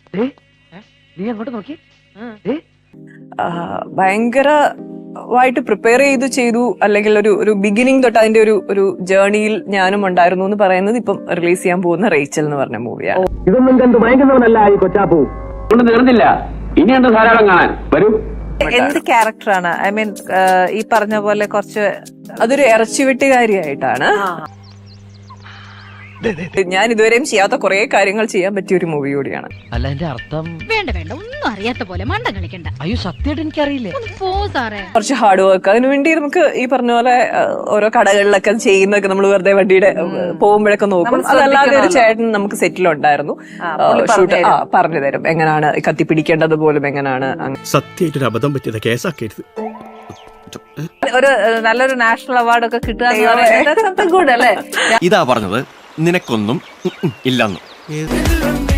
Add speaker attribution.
Speaker 1: നീ അങ്ങോട്ട് നോക്കി.
Speaker 2: ഭയങ്കരമായിട്ട് പ്രിപ്പയർ ചെയ്തു അല്ലെങ്കിൽ ഒരു ബിഗിനിങ് തൊട്ട് അതിന്റെ ഒരു ജേർണിയിൽ ഞാനും ഉണ്ടായിരുന്നു എന്ന് പറയുന്നത് ഇപ്പം റിലീസ് ചെയ്യാൻ പോകുന്ന റേച്ചൽ എന്ന് പറഞ്ഞ മൂവിയാണ്.
Speaker 1: ഇതൊന്നും കണ്ട് ഭയങ്കരവനല്ല ഈ കൊച്ചാപ്പൂ. കൊണ്ട് തീർന്നില്ല, ഇനിയുണ്ട് ധാരാളം കാണാൻ. വരൂ.
Speaker 3: എന്ത് ക്യാരക്ടറാണ്? ഐ മീൻ ഈ പറഞ്ഞ പോലെ കുറച്ച്
Speaker 2: അതൊരു ഇറച്ചിവെട്ടുകാരിയായിട്ടാണ്. ഞാൻ ഇതുവരെയും ചെയ്യാത്ത കുറെ കാര്യങ്ങൾ ചെയ്യാൻ പറ്റിയ ഒരു മൂവി കൂടിയാണ്.
Speaker 4: അല്ല, എന്റെ അർത്ഥം
Speaker 5: വേണ്ട ഒന്നും അറിയാത്ത പോലെ മണ്ടം കളിക്കണ്ട.
Speaker 4: അയ്യോ, സത്യമായിട്ട് എനിക്കറിയില്ലേ.
Speaker 5: പോ സാറേ.
Speaker 2: കുറച്ച് ഹാർഡ് വർക്ക് അതിനുവേണ്ടി നമുക്ക് ഈ പറഞ്ഞ പോലെ ഓരോ കടകളിലൊക്കെ ചെയ്യുന്നൊക്കെ നമ്മൾ വെറുതെ വണ്ടിയുടെ പോകുമ്പോഴൊക്കെ നോക്കും. അതല്ലാതെ ഒരു ചേട്ടൻ നമുക്ക് സെറ്റിലുണ്ടായിരുന്നു, ഷൂട്ട് പറഞ്ഞു തരും എങ്ങനെയാണ് കത്തിപ്പിടിക്കേണ്ടത് പോലും എങ്ങനെയാണ്.
Speaker 6: സത്യമായിട്ടൊരു അബദ്ധം പറ്റിയത് കേസാക്കരുത്.
Speaker 3: ഒരു നല്ലൊരു നാഷണൽ അവാർഡ് ഒക്കെ കിട്ടുക ഗുഡ് അല്ലേ?
Speaker 6: ഇതാ പറഞ്ഞത്, നിനക്കൊന്നും ഇല്ലെന്ന്.